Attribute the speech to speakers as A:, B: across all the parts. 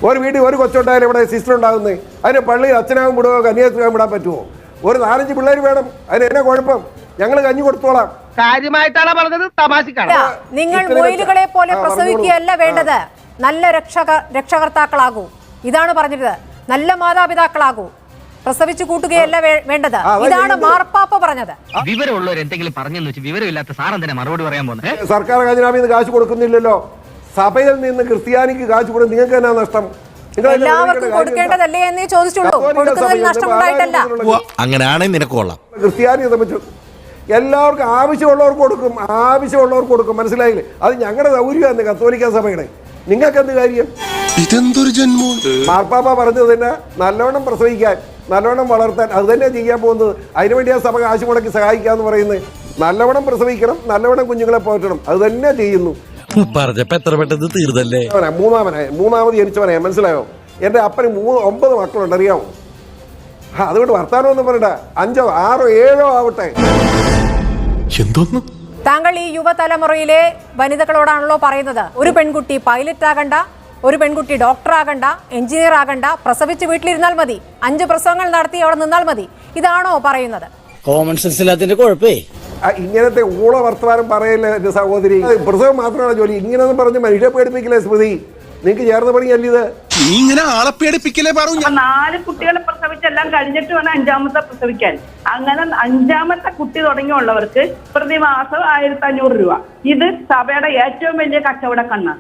A: ഒരു വീട്ടിൽ ഒരു കൊച്ചുണ്ടായാലും ഇവിടെ സിസ്റ്റർ ഉണ്ടാകുന്നത്, അതിന് പള്ളിയിൽ അച്ഛനാകും വിടുകയോ കന്യാസ്ത്രീയാകും വിടാൻ പറ്റുമോ? ഒരു 4-5 പിള്ളേർ വേണം, അതിന് എന്നാ കുഴപ്പം? ഞങ്ങൾ കഞ്ഞി കൊടുത്തോളാം.
B: കാര്യമായിട്ടാണ് പറഞ്ഞത്, തമാശക്കാണ്.
C: നിങ്ങൾ മൊയിലുകളെ പോലെ പ്രസവിക്കുകയല്ല വേണ്ടത്, നല്ല രക്ഷകർത്താക്കളാകൂ. ഇതാണ് പറഞ്ഞത്. നല്ല മാതാപിതാക്കളാകൂ, പ്രസവിച്ചു കൂട്ടുകയല്ല വേണ്ടത്. ഇതാണ് മാർപ്പാപ്പ പറഞ്ഞത്.
D: വിവരമുള്ളവർ എന്തെങ്കിലും പറഞ്ഞെന്ന് വെച്ച് വിവരമില്ലാത്ത സാറെന്തിനാ മറുപടി പറയാൻ പോകുന്നത്?
A: സർക്കാർ ഖജനാവിൽ നിന്ന് കാശ് കൊടുക്കുന്നില്ലല്ലോ, സഭയിൽ നിന്ന് ക്രിസ്ത്യാനിക്ക് കാശ് കൊടുക്കും. നിങ്ങൾക്ക് എന്നാ നഷ്ടം?
C: എല്ലാവർക്കും കൊടുക്കേണ്ടതല്ലേ എന്നേ ചോദിച്ചുള്ളൂ. കൊടുക്കുന്നതിൽ നഷ്ടമുണ്ടായിട്ടല്ല.
E: അങ്ങനെയാണെങ്കിൽ നിനക്ക് കൊള്ളാം.
A: ക്രിസ്ത്യാനിയെ സംബന്ധിച്ചു എല്ലാവർക്കും ആവശ്യമുള്ളവർക്ക് കൊടുക്കും. മനസ്സിലായില്ലേ? അത് ഞങ്ങളുടെ സൗകര്യമാണ് കത്തോലിക്ക സഭയുടെ. നിങ്ങൾക്ക് എന്ത് കാര്യം?
E: ഇതെന്തൊരു ജന്മം.
A: മാർപ്പാപ്പ പറഞ്ഞത് തന്നെ നല്ലവണ്ണം പ്രസവിക്കാൻ, നല്ലവണ്ണം വളർത്താൻ, അത് തന്നെ ചെയ്യാൻ പോകുന്നത്. അതിനുവേണ്ടി ആ സഭ കാശ് മുടക്കി സഹായിക്കാന്ന് പറയുന്നത്. നല്ലവണ്ണം പ്രസവിക്കണം, നല്ലവണ്ണം കുഞ്ഞുങ്ങളെ പോറ്റണം, അത് തന്നെ ചെയ്യുന്നു.
E: പറഞ്ഞപ്പോ എത്ര പെട്ടെന്ന് തീർന്നല്ലേ.
A: മൂന്നാമത് ജനിച്ചവനായ, മനസ്സിലായോ? എൻ്റെ അപ്പന് 9 മക്കളുണ്ട്, അറിയാമോ? അതുകൊണ്ട് വർത്താനമൊന്നും പറയണ്ട. 5, 6, 7 ആവട്ടെ.
E: എന്തോന്ന്?
C: താങ്കൾ ഈ യുവതലമുറയിലെ വനിതകളോടാണല്ലോ പറയുന്നത്, ഒരു പെൺകുട്ടി പൈലറ്റ് ആകണ്ട, ഒരു പെൺകുട്ടി ഡോക്ടർ ആകണ്ട, എഞ്ചിനീയർ ആകണ്ട, പ്രസവിച്ച് വീട്ടിലിരുന്നാൽ മതി, 5 പ്രസവങ്ങൾ നടത്തി അവിടെ നിന്നാൽ മതി. ഇതാണോ പറയുന്നത്?
F: കോമൺ സെൻസ് ഇല്ലാത്തതിന്റെ കുഴപ്പേ.
A: ഇങ്ങനത്തെ ഊള വർത്തമാനം പറയല്ലേ എന്റെ സഹോദരി. പ്രസവം മാത്രമാണ് ജോലി. ഇങ്ങനെയൊന്നും പറഞ്ഞ് മനുഷ്യ പേടിപ്പിക്കില്ലേ സ്മൃതി? നിങ്ങൾക്ക് ചേർന്ന പണിയല്ല ഇത്.
E: ഇങ്ങനെ ആളെ പേടിപ്പിക്കലേ പറഞ്ഞു.
G: 4 കുട്ടികളെ പ്രസവിച്ചെല്ലാം കഴിഞ്ഞിട്ട് വേണം 5ാമത്തെ പ്രസവിക്കാൻ. അങ്ങനെ 5ാമത്തെ കുട്ടി തുടങ്ങിയുള്ളവർക്ക് പ്രതിമാസം 1500 രൂപ. ഇത് സഭയുടെ ഏറ്റവും വലിയ കച്ചവട കണ്ണാണ്.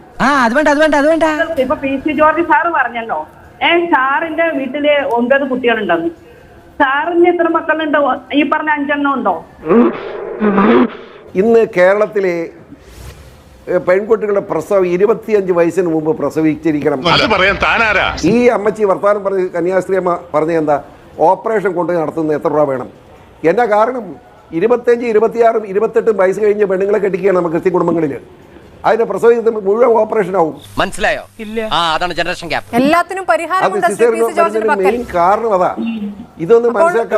G: ഇപ്പൊ PC ജോർജ് സാറ് പറഞ്ഞല്ലോ, സാറിന്റെ വീട്ടില് 9 കുട്ടികളുണ്ടെന്ന്. സാറിന് എത്ര മക്കളുണ്ടോ? ഈ പറഞ്ഞ 5 എണ്ണം ഉണ്ടോ?
A: ഇന്ന് കേരളത്തിലെ പെൺകുട്ടികളുടെ പ്രസവം 25 വയസ്സിന് മുമ്പ് പ്രസവിച്ചിരിക്കണം. ഈ അമ്മച്ചി വർത്താനം പറഞ്ഞ് കന്യാസ്ത്രീ അമ്മ പറഞ്ഞ എന്താ? ഓപ്പറേഷൻ കൊണ്ട് നടത്തുന്നത് എത്ര രൂപ വേണം? എന്നാ കാരണം? 25, 26, 28 വയസ്സ് കഴിഞ്ഞ് പെണ്ണുങ്ങളെ കെട്ടിക്കുകയാണ് നമുക്ക് ക്രിസ്ത്യൻ കുടുംബങ്ങളിൽ. അതിന്റെ പ്രസവിക്കുന്ന മുഴുവൻ ഓപ്പറേഷൻ ആവും.
D: മനസ്സിലായോ? അതാണ് ജനറേഷൻ ഗ്യാപ്പ്.
C: എല്ലാത്തിനും
A: മെയിൻ കാരണം അതാ. ഇതൊന്നും മനസ്സിലാക്കാൻ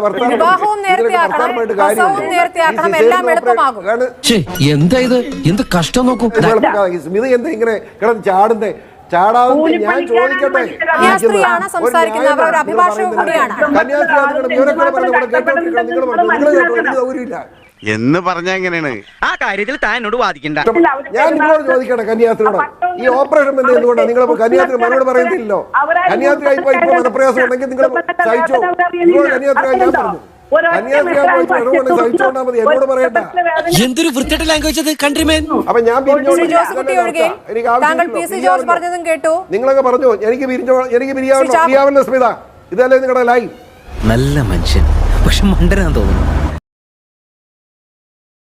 E: എന്താ ഇത്? എന്ത് കഷ്ടം നോക്കൂ.
A: സ്മിത എന്താ ഇങ്ങനെ കിടന്ന് ചാടുന്നേ? ചാടാതെ ഞാൻ ചോദിക്കട്ടെ,
H: എന്ന് പറഞ്ഞ എങ്ങനെയാണ്
D: ആ കാര്യത്തിൽ താൻ എന്നോട് വാദിക്കണ്ട.
A: ഞാൻ നിങ്ങളോട് ചോദിക്കട്ടെ, കന്യാസ്ത്രീയോട് ഈ ഓപ്പറേഷൻ ബന്ധം എന്തുകൊണ്ടാണ് നിങ്ങൾ കന്യാസ്ത്രീ മറുപടി പറയുന്നില്ലല്ലോ? കന്യാസ്ത്രീ ആയിപ്പോ ഇപ്പൊ മനപ്രയാസം ഉണ്ടെങ്കിൽ നിങ്ങൾ സഹിച്ചോ. നിങ്ങൾ കന്യാസ്ത്രീ ഞാൻ പറഞ്ഞു, എന്നോട് പറയണ്ട.
E: എന്തൊരു വൃത്തിയുടെ ലാംഗ്വേജ് അത് കൺട്രിമേൻ.
A: അപ്പൊ ഞാൻ നിങ്ങളൊക്കെ പറഞ്ഞു എനിക്ക് പിരിയാവല്ലോ സ്മിത. ഇതല്ലേ നിങ്ങളുടെ ലൈൻ?
D: നല്ല മനുഷ്യൻ, പക്ഷെ മണ്ടനാന്ന് തോന്നുന്നു.